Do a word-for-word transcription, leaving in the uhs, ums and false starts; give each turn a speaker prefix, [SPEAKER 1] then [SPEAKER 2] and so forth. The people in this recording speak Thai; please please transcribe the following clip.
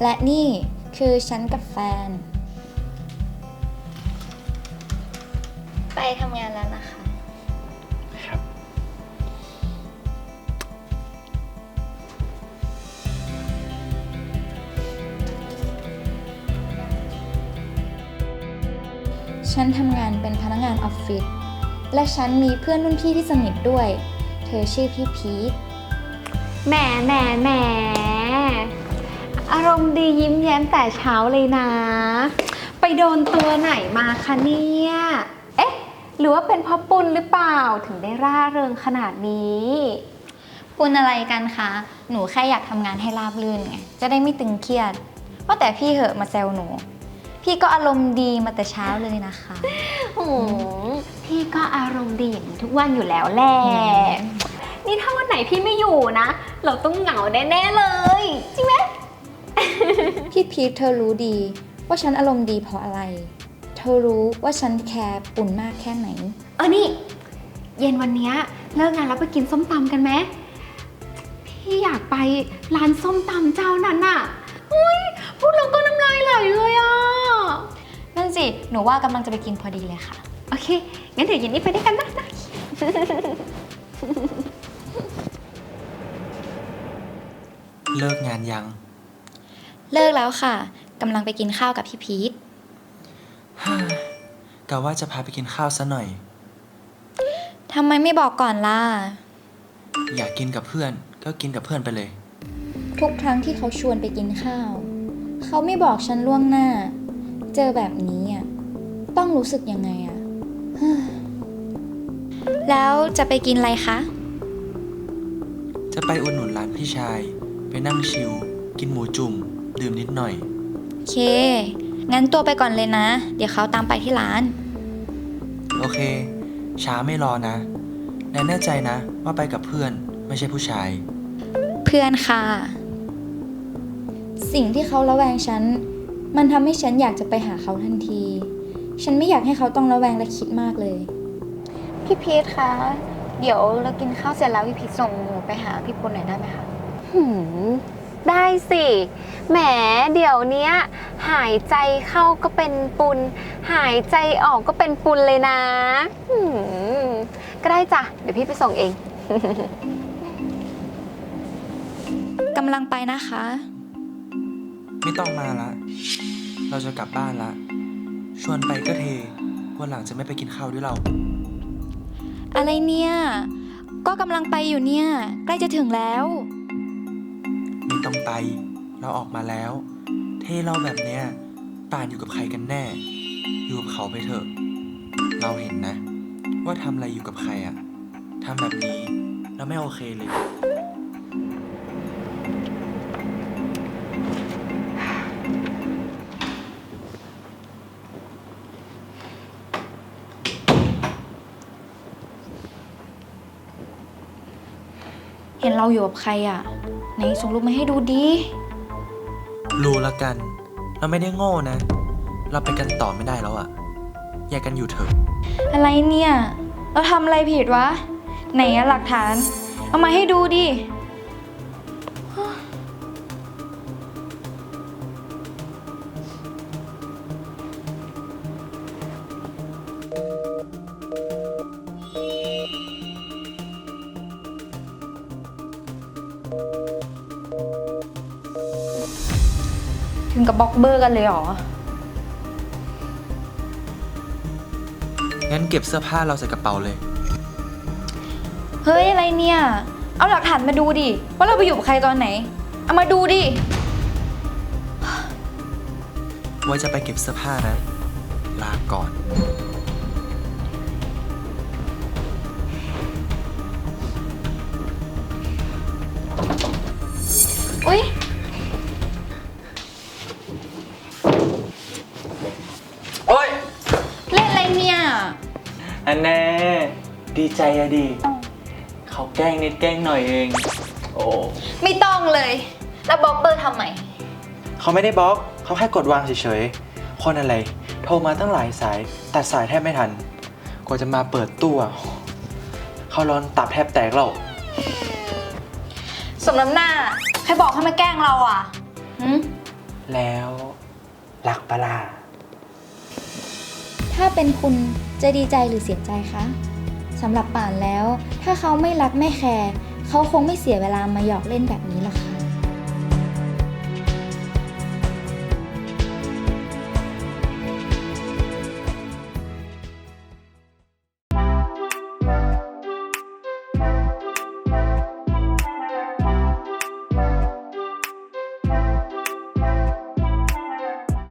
[SPEAKER 1] และนี่คือฉันกับแฟนไปทำงานแล้วนะคะ
[SPEAKER 2] ครับ
[SPEAKER 1] ฉันทำงานเป็นพนักงานออฟฟิศและฉันมีเพื่อนรุ่นพี่ที่สนิทด้วยเธอชื่อพี่พีท
[SPEAKER 3] แหมแหมแหมอารมณ์ดียิ้มแย้มแต่เช้าเลยนะไปโดนตัวไหนมาคะเนี่ยเอ๊ะหรือว่าเป็นเพราะปุณหรือเปล่าถึงได้ร่าเริงขนาดนี้
[SPEAKER 1] ปุณอะไรกันคะหนูแค่อยากทำงานให้ราบรื่นไงจะได้ไม่ตึงเครียดว่าแต่พี่เหอะมาแซวหนูพี่ก็อารมณ์ดีมาแต่เช้าเลยนะคะ
[SPEAKER 3] โอ้พี่ก็อารมณ์ดีอย่างนี้ทุกวันอยู่แล้วแหละนี่ถ้าวันไหนพี่ไม่อยู่นะเราต้องเหงาแน่ๆเลยจริงไหม
[SPEAKER 1] พี่พีทเธอรู้ดีว่าฉันอารมณ์ดีเพราะอะไรเธอรู้ว่าฉันแคร์ปุ่นมากแค่ไหน
[SPEAKER 3] เออนี่เย็นวันนี้เลิกงานแล้วไปกินส้มตำกันไหมพี่อยากไปร้านส้มตำเจ้านั้นน่ะอุ้ยพูดแล้วก็น้ำลายไหลเลยอ่ะ
[SPEAKER 1] นั่นสิหนูว่ากำลังจะไปกินพอดีเลยค่ะ
[SPEAKER 3] โอเคงั้นเดี๋ยวเย็นนี้ไปด้วยกันนะนะ
[SPEAKER 2] เลิกงานยัง
[SPEAKER 1] เลิกแล้วค่ะกำลังไปกินข้าวกับพี่พีท
[SPEAKER 2] กะว่าจะพาไปกินข้าวซะหน่อย
[SPEAKER 1] ทำไมไม่บอกก่อนล่ะ
[SPEAKER 2] อยากกินกับเพื่อนก็กินกับเพื่อนไปเลย
[SPEAKER 1] ทุกครั้งที่เขาชวนไปกินข้าวเขาไม่บอกฉันล่วงหน้าเจอแบบนี้อ่ะต้องรู้สึกยังไงอ่ะ แล้วจะไปกินอะไรคะ
[SPEAKER 2] จะไปอุดหนุนร้านพี่ชายไปนั่งชิลกินหมูจุ่มดื่มนิดหน่อย
[SPEAKER 1] โอเคงั้นตัวไปก่อนเลยนะเดี๋ยวเขาตามไปที่ร้าน
[SPEAKER 2] โอเคช้าไม่รอนะแน่แน่ใจนะว่าไปกับเพื่อนไม่ใช่ผู้ชาย
[SPEAKER 1] เพื่อนค่ะสิ่งที่เขาระแวงฉันมันทำให้ฉันอยากจะไปหาเขาทันทีฉันไม่อยากให้เขาต้องระแวงและคิดมากเลยพี่พีทคะเดี๋ยวเรากินข้าวเสร็จแล้วพี่พีทส่งหนูไปหาพี่ปุณหน่อยได้ไหมคะ
[SPEAKER 3] หืมได้สิแหมเดี๋ยวนี้หายใจเข้าก็เป็นปุณหายใจออกก็เป็นปุณเลยนะหืมก็ได้จ้ะเดี๋ยวพี่ไปส่งเอง
[SPEAKER 1] กำลังไปนะคะ
[SPEAKER 2] ไม่ต้องมาละเราจะกลับบ้านละชวนไปก็เทวันหลังจะไม่ไปกินข้าวด้วยเรา
[SPEAKER 1] อะไรเนี่ยก็กำลังไปอยู่เนี่ยใกล้จะถึงแล้ว
[SPEAKER 2] ไม่ต้องไปเราออกมาแล้วเทเราแบบเนี้ยป่านอยู่กับใครกันแน่อยู่กับเขาไปเถอะเราเห็นนะว่าทำอะไรอยู่กับใครอะทำแบบนี้เราไม่โอเคเลย
[SPEAKER 1] เห็นเราอยู่กับใครอ่ะไหนส่งรูปมาให้ดูดิ
[SPEAKER 2] รู้ละกันเราไม่ได้โง่นะเราไปกันต่อไม่ได้แล้วอะแยกกันอยู่เถอะ
[SPEAKER 1] อะไรเนี่ยเราทำอะไรผิดวะไหนอะหลักฐานเอามาให้ดูดิถึงกับบล็อกเบอร์กันเลยเหรอ
[SPEAKER 2] งั้นเก็บเสื้อผ้าเราใส่กระเป๋าเลย
[SPEAKER 1] เฮ้ยอะไรเนี่ยเอาหลักฐานมาดูดิว่าเราไปอยู่กับใครตอนไหนเอามาดูดิ
[SPEAKER 2] ว่าจะไปเก็บเสื้อผ้านะลาก่อน
[SPEAKER 1] อุ๊ย
[SPEAKER 2] โอ๊ย
[SPEAKER 1] เล่นอะไรเนี่ย
[SPEAKER 2] อันแน่ดีใจอะดิเขาแกล้งนิดแกล้งหน่อยเองโอ้
[SPEAKER 1] ไม่ต้องเลยแล้วบล็อกเบอร์ทำไม
[SPEAKER 2] เขาไม่ได้บล็อกเขาแค่กดวางเฉยๆคนอะไรโทรมาตั้งหลายสายตัดสายแทบไม่ทันกว่าจะมาเปิดตู้เขาร้อนตับแทบแตกแล้ว
[SPEAKER 1] สมน้ำหน้าใครบอกให้มาแกล้งเราอ่ะหืม
[SPEAKER 4] รักปะล่ะ
[SPEAKER 1] ถ้าเป็นคุณจะดีใจหรือเสียใจคะสำหรับป่านแล้ว ถ้าเขาไม่รักไม่แคร์เขาคงไม่เสียเวลามาหยอกเล่นแบบนี้หรอกค่ะ